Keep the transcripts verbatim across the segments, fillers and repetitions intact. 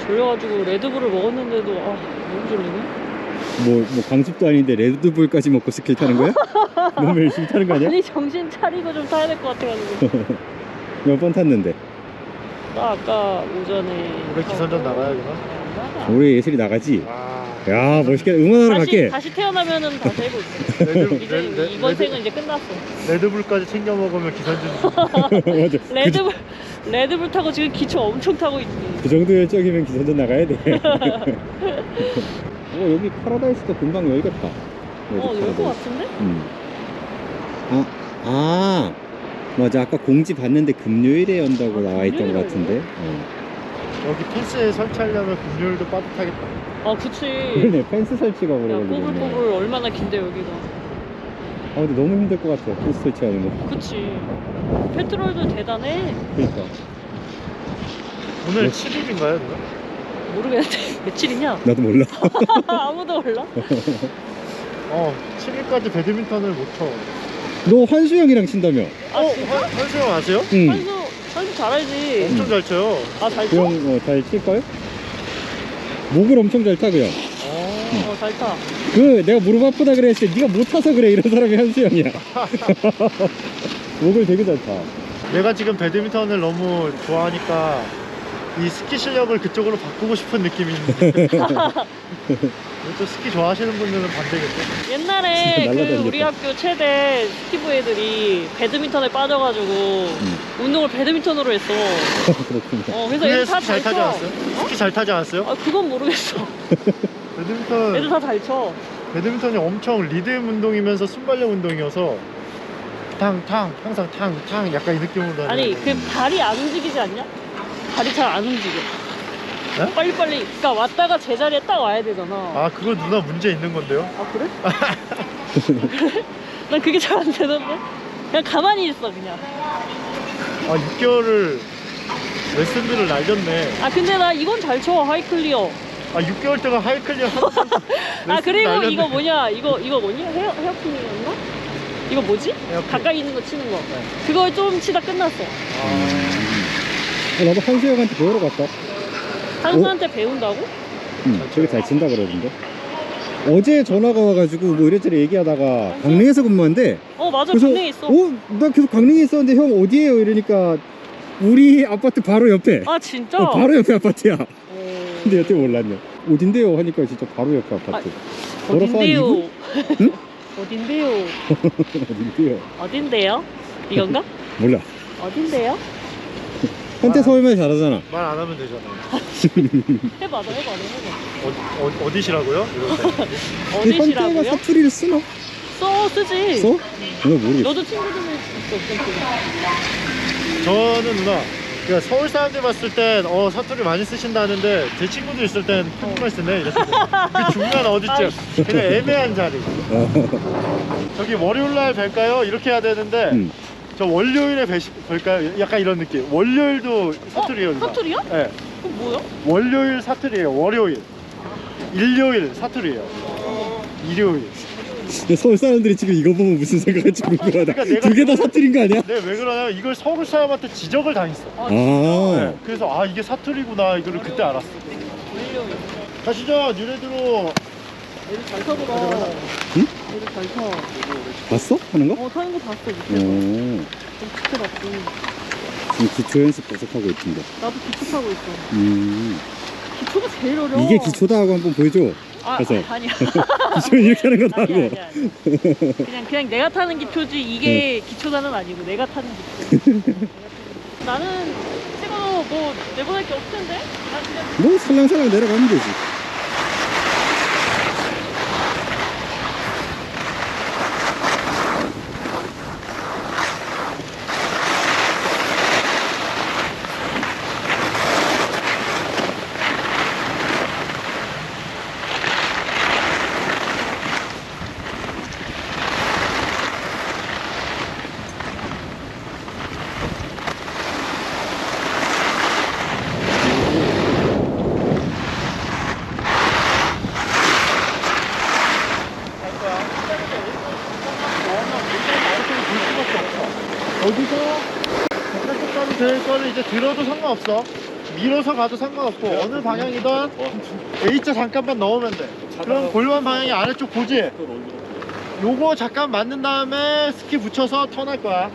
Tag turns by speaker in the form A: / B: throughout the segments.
A: 졸려가지고 레드불을 먹었는데도 아 너무 졸리네.
B: 뭐, 뭐 강습도 아닌데 레드불까지 먹고 스킬 타는 거야? 너무 열심히 타는 거 아니야?
A: 아니 정신 차리고 좀 타야 될 것 같아가지고.
B: 몇 번 탔는데?
A: 나 아까 오전에
C: 올해 기선전 나가야 되나?
B: 올해 예슬이 나가지?
C: 아,
B: 야 멋있게 응원하러
A: 다시,
B: 갈게.
A: 다시 태어나면은 다시 해볼 수 있어.
C: 레드,
A: 이제
C: 레, 레,
A: 이번
C: 레드,
A: 생은 이제 끝났어.
C: 레드불까지 챙겨 먹으면 기선전.
B: 맞아.
A: 레드불 레드불 타고 지금 기초 엄청 타고 있지.
B: 그 정도 열정이면 기선전 나가야 돼. 어, 여기 파라다이스도 금방 열겠다.
A: 어, 열 것 같은데?
B: 음. 아, 아, 맞아. 아까 공지 봤는데 금요일에 연다고
A: 아,
B: 나와 있던
A: 금요일에
B: 것 같은데. 어.
C: 여기 펜스에 설치하려면 금요일도 빠듯하겠다.
A: 아, 그치.
B: 그러네. 펜스 설치가 오래
A: 야,
B: 걸리겠네.
A: 꼬불꼬불 얼마나 긴데 여기가.
B: 아, 근데 너무 힘들 것 같아. 펜스 설치하는 거.
A: 그치. 페트롤도 대단해.
B: 그러니까.
C: 오늘
B: 뭐?
C: 칠 일인가요, 누나?
A: 모르겠는데 며칠이냐?
B: 나도 몰라.
A: 아무도 몰라.
C: 어, 칠 일까지 배드민턴을 못 쳐.
B: 너 환수 형이랑 친다며?
A: 아,
C: 어,
A: 진짜?
C: 한- 한수 형 아세요?
B: 응.
A: 한수 한수 잘 알지.
C: 엄청 잘 쳐요.
A: 아, 잘
B: 그
A: 쳐?
B: 형, 어, 잘 칠걸? 목을 엄청 잘 타, 그 형.
A: 어, 잘 타.
B: 그, 내가 무릎 아프다 그랬을 때, 네가 못 타서 그래. 이런 사람이 한수 형이야. 목을 되게 잘 타.
C: 내가 지금 배드민턴을 너무 좋아하니까 이 스키 실력을 그쪽으로 바꾸고 싶은 느낌이 있는데 또 스키 좋아하시는 분들은 반대겠죠?
A: 옛날에
B: 진짜
A: 그
B: 날라다니겠다.
A: 우리 학교 최대 스키부 애들이 배드민턴에 빠져가지고 운동을 배드민턴으로 했어.
B: 그렇군요.
A: 어, 그래서
C: 그게
A: 애들 다
C: 스키
A: 잘
C: 잘 타지
A: 쳐.
C: 않았어요? 스키 잘 타지 않았어요?
A: 아, 그건 모르겠어.
C: 배드민턴
A: 애들 다 잘 쳐.
C: 배드민턴이 엄청 리듬 운동이면서 순발력 운동이어서 탕탕 항상 탕탕 약간 이 느낌으로 다니는
A: 아니,
C: 거.
A: 그 발이 안 움직이지 않냐? 발이 잘 안 움직여.
C: 네?
A: 빨리빨리. 그러니까 왔다가 제자리에 딱 와야 되잖아.
C: 아 그거 누나 문제 있는 건데요?
A: 아, 그래? 그래? 난 그게 잘 안 되던데? 그냥 가만히 있어, 그냥.
C: 아 육 개월을 레슨비를 날렸네.
A: 아, 근데 나 이건 잘 쳐, 하이클리어.
C: 아 육 개월 동안 하이클리어 하고
A: 아, 그리고
C: 날렸네.
A: 이거 뭐냐? 이거, 이거 뭐니? 헤어, 헤어핀이었나? 이거 뭐지?
C: 헤어핀.
A: 가까이 있는 거 치는 거. 그걸 좀 치다 끝났어.
C: 아,
B: 어, 나도 한수 형한테 배우러 갔다.
A: 한수한테 배운다고?
B: 응, 되게 잘 친다 그러던데. 어제 전화가 와가지고 뭐 이래저래 얘기하다가 강릉에서 근무한대.
A: 어, 맞아.
B: 그래서
A: 강릉에 있어.
B: 어? 나 계속 강릉에 있었는데 형 어디에요? 이러니까 우리 아파트 바로 옆에.
A: 아, 진짜?
B: 어, 바로 옆에 아파트야.
A: 어...
B: 근데 여태 몰랐네. 어딘데요? 하니까 진짜 바로 옆에 아파트. 걸어서 한 이
A: 어딘데요?
B: 분? 응?
A: 어딘데요?
B: 어딘데요?
A: 어딘데요? 이건가?
B: 몰라.
A: 어딘데요?
B: 한테 서울말 잘하잖아.
C: 말 안 하면 되잖아요.
A: 해봐, 너 해봐, 너 해봐.
C: 어, 어, 어디시라고요? 이러면서.
B: 현태가
A: 어디시라고요?
B: 사투리를 쓰나?
A: 써, 쓰지.
B: 써? 나 모르겠어.
A: 너도 친구들이 있어, 없어.
C: 저는 누나 그러니까 서울 사람들 봤을 땐 어, 사투리 많이 쓰신다 하는데 제 친구들 있을 땐 한국말 쓰네 이랬어요. 그 중간 어디쯤 그냥 애매한 자리. 저기 월요일날 뵐까요? 이렇게 해야 되는데
B: 응.
C: 저 월요일에 뵈시, 뵐까요? 약간 이런 느낌. 월요일도 사투리예요. 누나.
A: 사투리야?
C: 네.
A: 그럼 뭐야?
C: 월요일 사투리예요. 월요일. 일요일 사투리예요. 일요일.
B: 근데 서울 사람들이 지금 이거 보면 무슨 생각할지 궁금하다.
C: 그러니까 내가
B: 두 개 다 사투리인 거 아니야?
C: 네, 왜 그러냐면 이걸 서울 사람한테 지적을 당했어.
A: 아,
B: 아,
C: 네, 그래서 아 이게 사투리구나 이거를 그때 알았어.
A: 월요일.
C: 가시죠 뉴레드로.
A: 애들 잘 타더라.
B: 응?
A: 애들 잘 타.
B: 봤어? 하는 거?
A: 어, 타는 거 봤어, 밑에서.
B: 오,
A: 좀 지켜봤지.
B: 지금 기초 연습 계속하고 있던데.
A: 나도 기초 타고 있어.
B: 음,
A: 기초가 제일 어려워.
B: 이게 기초다 하고 한번 보여줘.
A: 아,
B: 가서.
A: 아, 아니야.
B: 기초는 이렇게 하는 거다
A: 아니야,
B: 하고.
A: 아니야, 아니야. 그냥, 그냥 내가 타는 기초지, 이게 기초단은 아니고, 내가 타는 기초. 나는 찍어도 뭐, 내보낼 게 없을 텐데? 난 그냥
B: 뭐 살랑살랑 내려가면 되지.
C: 어디서 바깥쪽 가도 될 거는 이제 들어도 상관없어. 밀어서 가도 상관없고 어느 방향이든 A자 잠깐만 넣으면 돼. 그럼 골반 방향이 아래쪽 보지? 요거 잠깐 맞는 다음에 스키 붙여서 턴할 거야.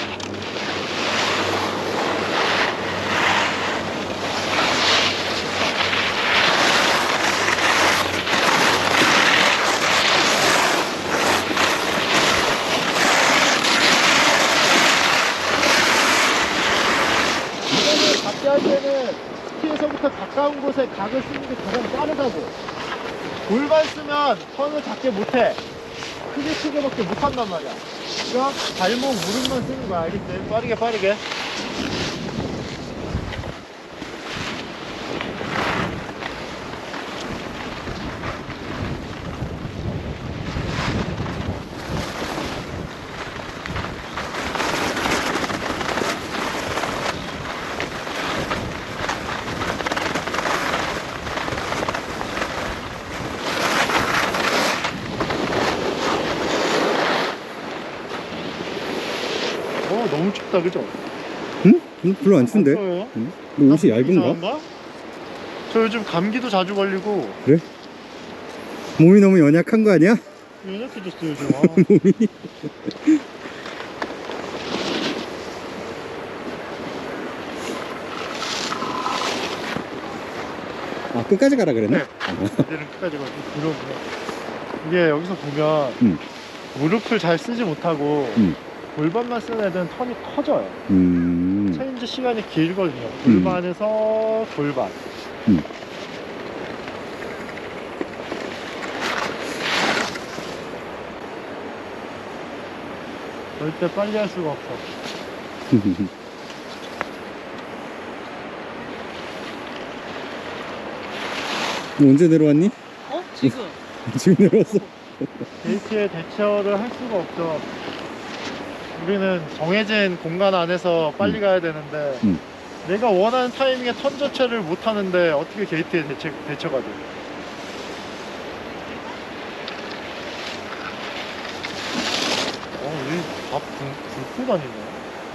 C: 이거를 잡게 할 때는 스키에서부터 가까운 곳에 각을 쓰는 게 가장 빠르다고. 골반 쓰면 턴을 작게 못해. 크게 크게밖에 못한단 말이야. 그러니까 발목 무릎만 쓰는 거야. 알겠지? 빠르게 빠르게. 어 너무 춥다 그죠?
B: 응? 응? 별로 안 추운데?
C: 추워요?
B: 응? 너 옷이 얇은가?
C: 이상한가? 저 요즘 감기도 자주 걸리고
B: 그래? 몸이 너무 연약한 거 아니야?
C: 연약해졌어 요즘. 아.
B: 몸이 아 끝까지 가라 그랬나?
C: 네. 이제는 끝까지 가고 무릎을 이게 여기서 보면
B: 음.
C: 무릎을 잘 쓰지 못하고
B: 음.
C: 골반만 쓰는 애들은 턴이 커져요.
B: 음.
C: 체인지 시간이 길거든요. 골반에서 골반.
B: 음.
C: 절대 빨리 할 수가 없어.
B: 너 언제 내려왔니?
A: 어? 지금.
B: 지금 내려왔어?
C: 게이트에 대처를 할 수가 없죠. 우리는 정해진 공간 안에서 빨리
B: 음.
C: 가야 되는데
B: 음.
C: 내가 원하는 타이밍에 턴 자체를 못 하는데 어떻게 게이트에 대처, 대처가 돼? 어, 얘밥 굶고 다니네.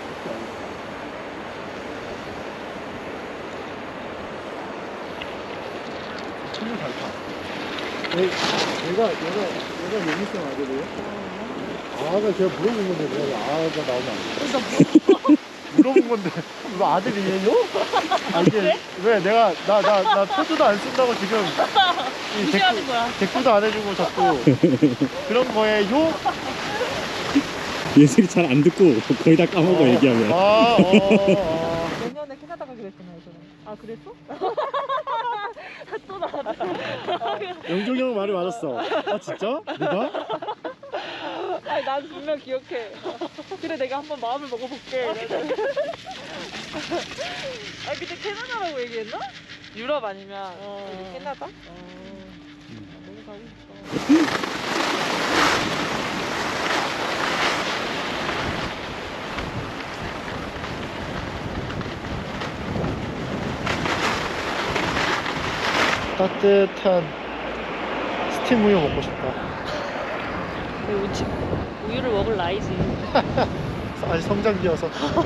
C: 친구 잘 타. 얘, 얘가, 얘가, 얘가 용이성 아들이에요? 아가 제가 물어본 건데 왜 아가 나오면 안 돼? 물어본 건데 너 아들이에요? 아 이게 왜 내가 나 나 나 포즈도 안 쓴다고 지금 이
A: 무시하는
C: 댓글,
A: 거야.
C: 댓글도 안 해주고 자꾸 그런 거예요?
B: 예슬이 잘 안 듣고 거의 다 까먹어 얘기하면.
C: 아, 어, 어.
D: 내년에 캐나다 가기로 했잖아요, 저는.
A: 아 그랬어? 또 나왔다.
C: 영종이 형 말이 맞았어. 아 진짜? 누가?
D: 아니, 난 분명 기억해. 그래, 내가 한번 마음을 먹어볼게. 이러면서. 아, 근데 캐나다라고 얘기했나? 유럽 아니면
A: 어.
D: 여기 캐나다?
A: 너무 가고 싶어.
C: 따뜻한 스팀 우유 먹고 싶다.
A: 우유, 우유를 먹을 나이지.
C: 아직 성장기여서.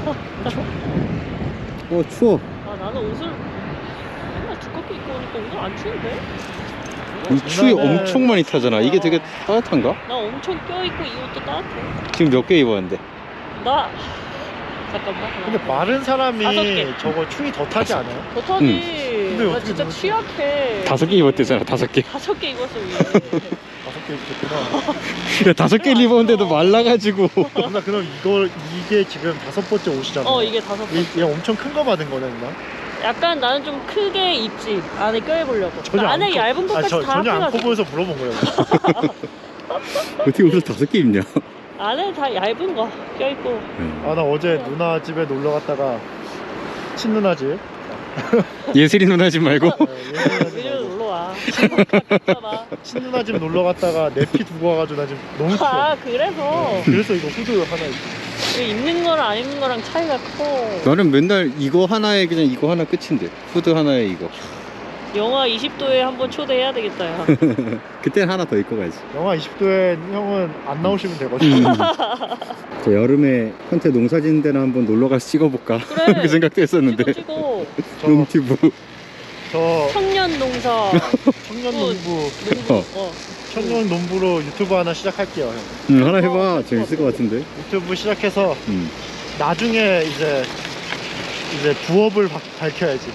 B: 어 추워.
A: 아 나는 옷을 맨날 두껍게 입고 오니까 오늘 안 추운데?
B: 이 추위
C: 장난해.
B: 엄청 많이 타잖아. 이게 되게 따뜻한가?
A: 나 엄청 껴입고 이 옷도 따뜻해.
B: 지금 몇 개 입었는데?
A: 나 잠깐만.
C: 근데 마른 사람이
A: 다섯 개.
C: 저거 추위 더 타지 않아요?
A: 더 타지.
C: 근데
A: 나
C: 어떻게
A: 진짜
C: 그러지?
A: 취약해.
B: 다섯 개 입었대잖아. 다섯 개.
A: 다섯 개 입었어 위에.
C: 다섯 개 입었구나.
B: 야 다섯 개를 입었는데도 말라가지고.
C: 누나 그럼 이걸 이게 지금 다섯 번째 옷이잖아.
A: 어 이게 다섯 개.
C: 이, 얘 엄청 큰 거 받은 거네 누나?
A: 약간 나는 좀 크게 입지. 안에 껴입으려고.
C: 전혀
A: 나
C: 안
A: 안에
C: 커-
A: 얇은
C: 아,
A: 것까지
C: 저,
A: 다
C: 전혀 안 커
A: 합해가지고.
C: 보여서 물어본 거예요.
B: 어떻게 옷을 다섯 개 입냐?
A: 안에 다 얇은 거 껴입고.
C: 아 나 어제 누나 집에 놀러 갔다가 친누나 집.
B: 예슬이 누나 집 말고?
C: 어, 예전에
A: 위로 놀러 와. 봐.
C: 친누나 집 놀러 갔다가 내 피 두고 와가지고 나 지금 너무 추워.
A: 아 그래서
C: 그래서 이거 후드 하나 입고.
A: 이거 입는 거랑 안 입는 거랑 차이가 커.
B: 나는 맨날 이거 하나에 그냥 이거 하나 끝인데. 후드 하나에 이거.
A: 영하 이십 도에 한번 초대해야 되겠다 야.
B: 그땐 하나 더 입고 가야지.
C: 영하 이십 도에 형은 안 나오시면 되거든요.
B: 음. 저 여름에 현태 농사 짓는 데나 한번 놀러 가서 찍어볼까
A: 그래.
B: 그 생각도 했었는데.
A: 찍어 찍어.
C: 저,
B: 롱튜브.
C: 저
A: 청년 농사.
C: 청년 농부,
A: 농부.
B: 어.
A: 어.
C: 청년 농부로 유튜브 하나 시작할게요, 형.
B: 응, 하나 해봐. 재밌을 것 같은데.
C: 유튜브 시작해서
B: 음.
C: 나중에 이제 이제 부업을 바, 밝혀야지.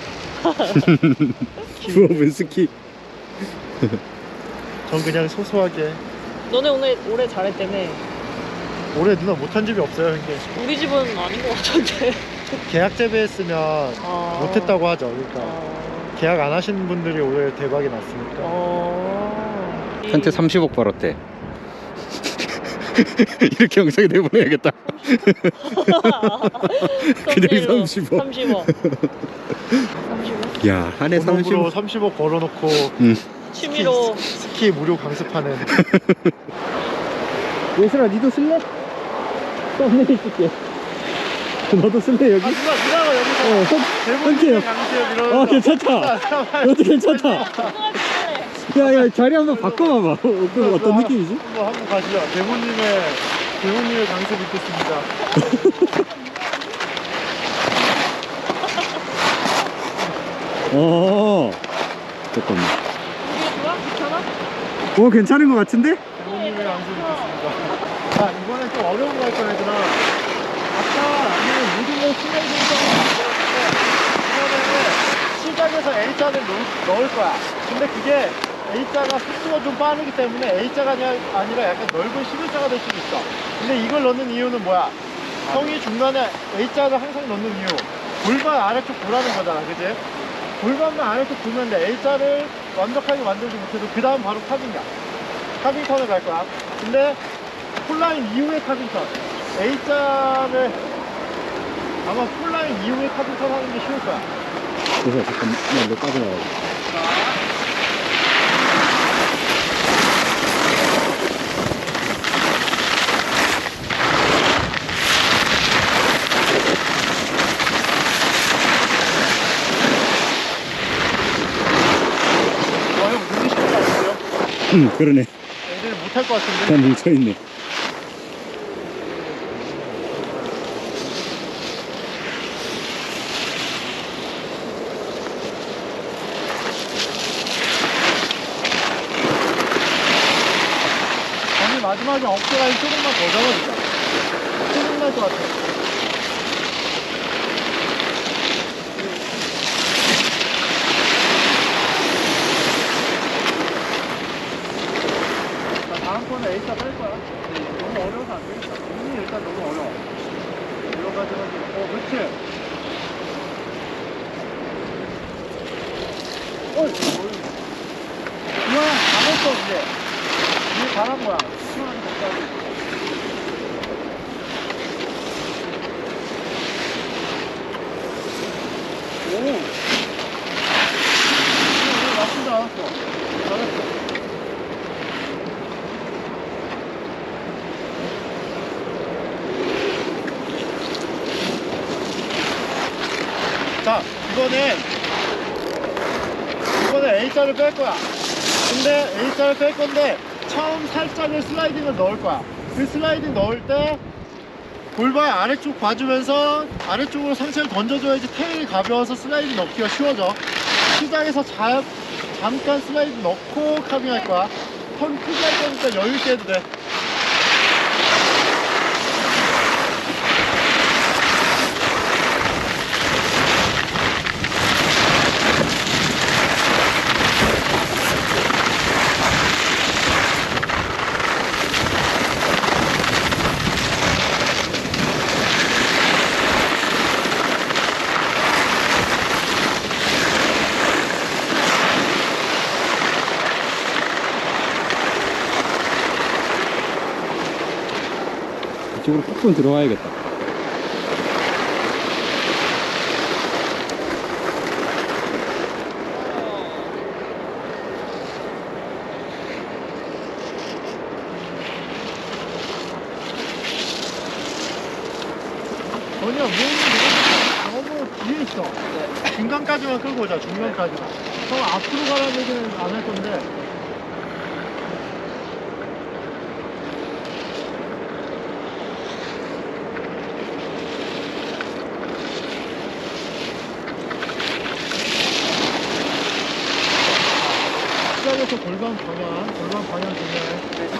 B: 부업은 스키.
C: 전 그냥 소소하게.
A: 너네 오늘 올해 잘했다며.
C: 올해 누나 못한 집이 없어요, 형님.
A: 우리 집은 아닌 것 같은데.
C: 계약 재배했으면
A: 아...
C: 못했다고 하죠. 그러니까
A: 아...
C: 계약 안 하신 분들이 올해 대박이 났으니까.
A: 어...
B: 현태 삼십억 벌었대. 이렇게 영상에 내보내야겠다. 그냥 삼십억.
A: 삼십억. 삼십억?
B: 야, 한 해
C: 본업으로
B: 삼십억.
C: 삼십억 벌어놓고
B: 응.
A: 취미로.
C: 스키, 스키 무료 강습하는.
B: 예슬아, 니도 쓸래? 썸네일 쓸게. 너도 쓸래, 여기?
C: 아 누나 누나가 여기서
B: 어, 선,
C: 대본님 강습 이러면서.
B: 어, 괜찮다. 이것도 괜찮다. 야, 야, 자리 한번 바꿔봐봐. 어, 그 어떤 느낌이지?
C: 한번 한번 가시죠. 대본님의 대본님의 강습 있겠습니다.
B: 어, 잠깐만.
A: 이게 좋아? 괜찮아?
B: 오, 괜찮은 것 같은데?
C: 대본님의 강습 있겠습니다. 자 이번엔 좀 어려운 거 할 거야 얘들아. 아까 우리는 모든 걸 슬라이딩 이번에는 시작에서 A자를 넣을 거야. 근데 그게 A자가 속도가 좀 빠르기 때문에 A자가 아니라 약간 넓은 십일자가 될 수도 있어. 근데 이걸 넣는 이유는 뭐야? 형이 중간에 A자를 항상 넣는 이유, 골반 아래쪽 보라는 거잖아, 그지? 골반만 아래쪽 보면 돼. A자를 완벽하게 만들지 못해도 그 다음 바로 카빙이야. 카빙턴을 갈 거야. 근데 폴라인 이후에 카빙턴, A자를 아마 폴라인 이후에 카빙턴 하는 게 쉬울 거야.
B: 그래서 잠깐만, 이거 빠져나가고.
C: 와, 형 눈이 쉽지 않으세요?
B: 응, 그러네.
C: 애들 못할 것 같은데?
B: 그냥 뭉쳐있네.
C: 아니 마지막에 어깨 라인 조금만 더 잡아주자. 조금 날것 같아. 자, 다음 거는 A자 뺄 거야. 너무 어려워서 안 되겠다. 눈이 일단 너무 어려워. 여러 가지 가지고. 어, 그렇지. 어이, 어이. 이거는 다 했어, 이제. 이게 잘한 거야. 시원하게 먹자고. 오! 오, 나쁘지 않았어. 잘했어. 자, 이거는 이거는 A자를 뺄 거야. 근데 A자를 뺄 건데 처음 살짝의 슬라이딩을 넣을 거야. 그 슬라이딩 넣을 때 골반 아래쪽 봐주면서 아래쪽으로 상체를 던져줘야지 테일이 가벼워서 슬라이딩 넣기가 쉬워져. 시작에서 자, 잠깐 슬라이딩 넣고 카빙할 거야. 턴 크게 할 거니까 여유 있게 해도 돼.
B: 이쪽으로 푹 들어가야겠다.
C: 전혀 몸이 너무, 너무 뒤에 있어. 중간까지만 끌고 오자, 중간까지만. 형 앞으로 가라는 얘기는 안 할 건데. 시작에서 골반 방향, 골반 방향 중요해.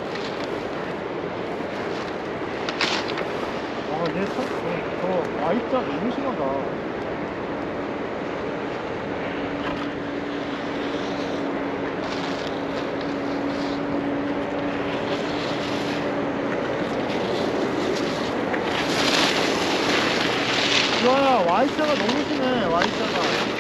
C: 아, 얘 참, 저, 저 Y자 너무 심하다. 주아야, Y자가 너무 심해, Y자가.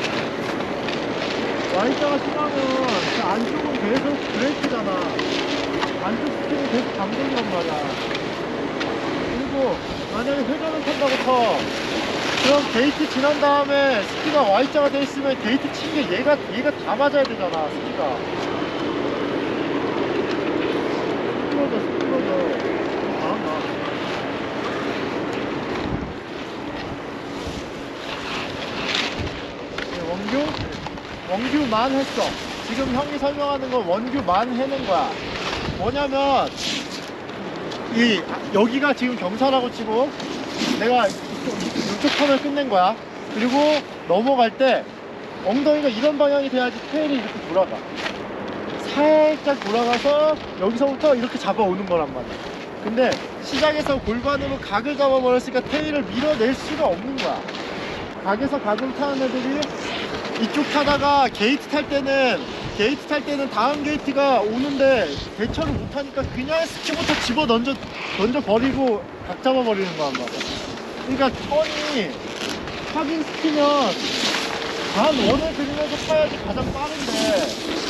C: Y자가 심하면 그 안쪽은 계속 브레이크잖아. 안쪽 스키는 계속 감독이란 말이야. 그리고 만약에 회전을 탄다고 쳐. 그럼 게이트 지난 다음에 스키가 Y자가 돼 있으면 게이트 친 게 얘가, 얘가 다 맞아야 되잖아, 스키가. 스크러져, 스크러져. 잘한다. 원규? 원규만 했어. 지금 형이 설명하는 건 원규만 해낸 거야. 뭐냐면 이 여기가 지금 경사라고 치고 내가 이쪽, 이쪽 턴을 끝낸 거야. 그리고 넘어갈 때 엉덩이가 이런 방향이 돼야지 테일이 이렇게 돌아가. 살짝 돌아가서 여기서부터 이렇게 잡아오는 거란 말이야. 근데 시작에서 골반으로 각을 잡아버렸으니까 테일을 밀어낼 수가 없는 거야. 각에서 각을 타는 애들이 이쪽 타다가 게이트 탈 때는 게이트 탈 때는 다음 게이트가 오는데 대처를 못하니까 그냥 스키부터 집어 던져 던져 버리고 각 잡아 버리는 거란 말이야. 그러니까 턴이 하긴 스키면 반 원을 그리면서 타야지 가장 빠른데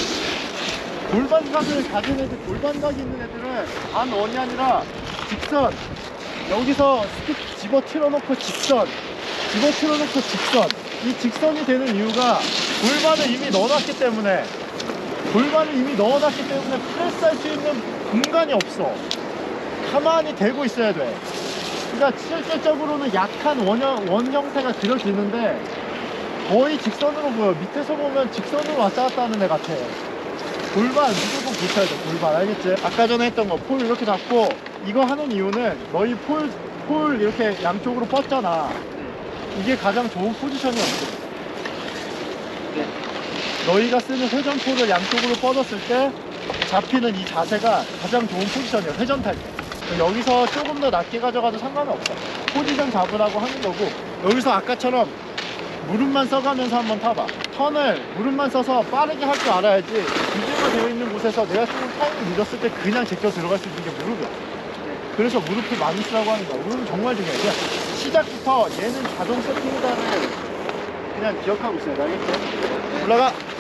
C: 골반각을 가진 애들, 골반각이 있는 애들은 반 원이 아니라 직선, 여기서 스키 집어 틀어놓고 직선, 집어 틀어놓고 직선. 이 직선이 되는 이유가 골반을 이미 넣어놨기 때문에 골반을 이미 넣어놨기 때문에 프레스할 수 있는 공간이 없어. 가만히 대고 있어야 돼. 그러니까 실질적으로는 약한 원형, 원 형태가 그려지는데 거의 직선으로 보여. 밑에서 보면 직선으로 왔다 갔다 하는 애 같아. 골반 무조건 붙여야 돼. 골반, 알겠지? 아까 전에 했던 거 폴 이렇게 잡고 이거 하는 이유는 너희 폴, 폴 이렇게 양쪽으로 뻗잖아. 이게 가장 좋은 포지션이 없어.
A: 네.
C: 너희가 쓰는 회전포를 양쪽으로 뻗었을 때 잡히는 이 자세가 가장 좋은 포지션이야. 회전 탈 때. 여기서 조금 더 낮게 가져가도 상관은 없어. 포지션 잡으라고 하는 거고, 여기서 아까처럼 무릎만 써가면서 한번 타봐. 턴을 무릎만 써서 빠르게 할 줄 알아야지. 규제가 되어 있는 곳에서 내가 쓰는 타임을 늦었을 때 그냥 제껴 들어갈 수 있는 게 무릎이야. 그래서 무릎을 많이 쓰라고 하는 거야. 무릎은 정말 중요해. 그냥 시작부터 얘는 자동 세팅이다를 그냥 기억하고 있어야 돼. 알겠지? 올라가!